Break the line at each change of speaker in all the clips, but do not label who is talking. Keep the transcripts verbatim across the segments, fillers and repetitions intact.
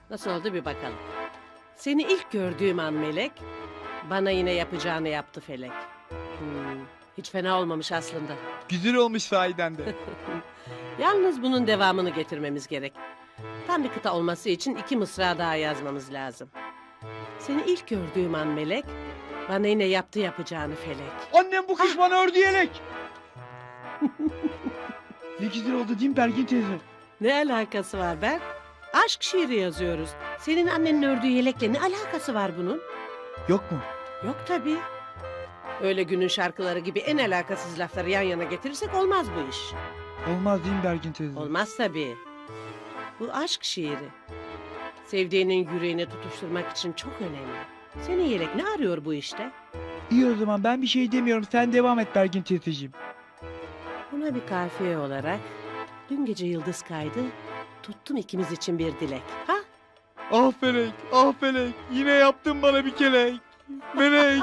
Nasıl oldu bir bakalım. Seni ilk gördüğüm an Melek, bana yine yapacağını yaptı Felek. Hmm, hiç fena olmamış aslında.
Güzel olmuş sahiden de.
Yalnız bunun devamını getirmemiz gerek. Tam bir kıta olması için iki mısra daha yazmamız lazım. Seni ilk gördüğüm an Melek, bana yine yaptı yapacağını Felek.
Annem bu kış bana ördü yelek. Ne güzel oldu değil mi Bergin teyze?
Ne alakası var Berk? Aşk şiiri yazıyoruz. Senin annenin ördüğü yelekle ne alakası var bunun?
Yok mu?
Yok tabii. Öyle günün şarkıları gibi en alakasız lafları yan yana getirirsek olmaz bu iş.
Olmaz değil mi Bergin teyze?
Olmaz tabii. Bu aşk şiiri. Sevdiğinin yüreğine tutuşturmak için çok önemli. Senin yelek ne arıyor bu işte?
İyi o zaman ben bir şey demiyorum. Sen devam et Bergin teyzeciğim.
Buna bir kafiye olarak dün gece yıldız kaydı, tuttum ikimiz için bir dilek. Ha?
Ah Felek, ah Felek. Yine yaptın bana bir kelek. Melek.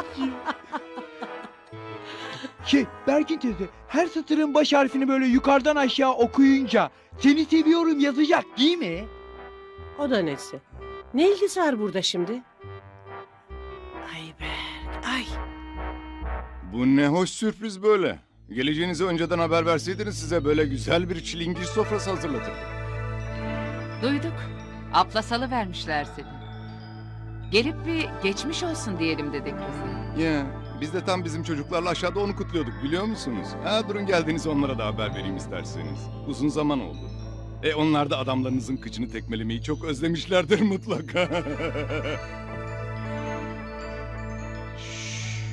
Şey Bergin teyze, her satırın baş harfini böyle yukarıdan aşağı okuyunca seni seviyorum yazacak değil mi?
O da nesi? Ne ilgisi var burada şimdi? Ay Berk, ay.
Bu ne hoş sürpriz böyle. Geleceğinizi önceden haber verseydiniz size böyle güzel bir çilingir sofrası hazırlatırdım.
Duyduk. Aplasalı vermişler seni. Gelip bir geçmiş olsun diyelim dedik biz.
Ya biz de tam bizim çocuklarla aşağıda onu kutluyorduk biliyor musunuz? Ha durun geldiğiniz onlara da haber vereyim isterseniz. Uzun zaman oldu. E onlar da adamlarınızın kıçını tekmelemeyi çok özlemişlerdir mutlaka. Şşş.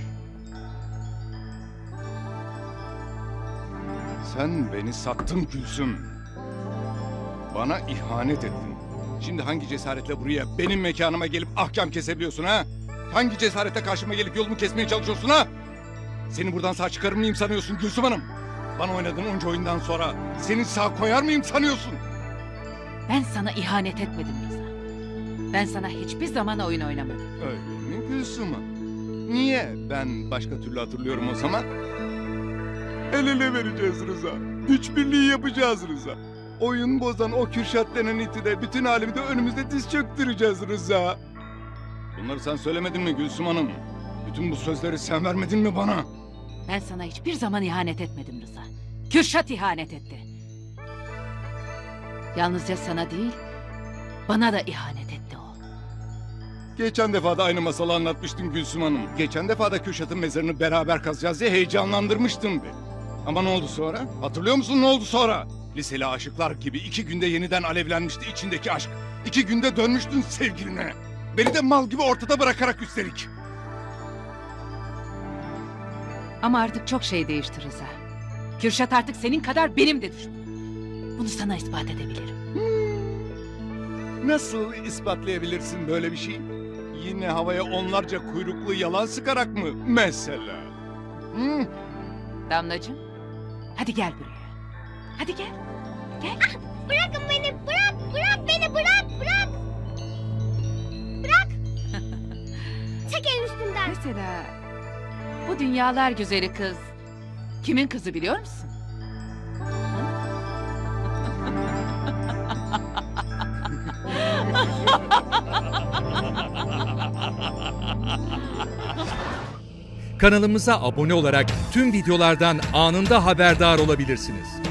Sen beni sattın Gülsüm. Bana ihanet ettin. Şimdi hangi cesaretle buraya benim mekanıma gelip ahkam kesebiliyorsun ha? Hangi cesaretle karşıma gelip yolumu kesmeye çalışıyorsun ha? Seni buradan sağ çıkarır mıyım sanıyorsun Gülsüm Hanım? Bana oynadığın onca oyundan sonra seni sağ koyar mıyım sanıyorsun?
Ben sana ihanet etmedim Rıza. Ben sana hiçbir zaman oyun oynamadım.
Öyle mi Gülsüm Hanım? Niye? Ben başka türlü hatırlıyorum o zaman. El ele vereceğiz Rıza. Güç birliği yapacağız Rıza. Oyun bozan o Kürşat denen iti de bütün alemi de önümüzde diz çöktüreceğiz Rıza. Bunları sen söylemedin mi Gülsüm Hanım? Bütün bu sözleri sen vermedin mi bana?
Ben sana hiçbir zaman ihanet etmedim Rıza. Kürşat ihanet etti. Yalnızca sana değil, bana da ihanet etti o.
Geçen defa da aynı masalı anlatmıştın Gülsüm Hanım. Geçen defa da Kürşat'ın mezarını beraber kazacağız diye heyecanlandırmıştın bir. Ama ne oldu sonra? Hatırlıyor musun ne oldu sonra? Liseli aşıklar gibi iki günde yeniden alevlenmişti içindeki aşk. İki günde dönmüştün sevgiline. Beni de mal gibi ortada bırakarak üstelik.
Ama artık çok şey değişti Rıza. Kürşat artık senin kadar benim de düşmanım. Bunu sana ispat edebilirim.
Nasıl ispatlayabilirsin böyle bir şey? Yine havaya onlarca kuyruklu yalan sıkarak mı mesela? Hı?
Damlacığım, hadi gel buraya. Hadi gel, gel.
Bırakın beni, bırak, bırak beni, bırak, bırak. Bırak. Çek el üstümden.
Mesela bu dünyalar güzeli kız kimin kızı biliyor musun?
Kanalımıza abone olarak tüm videolardan anında haberdar olabilirsiniz.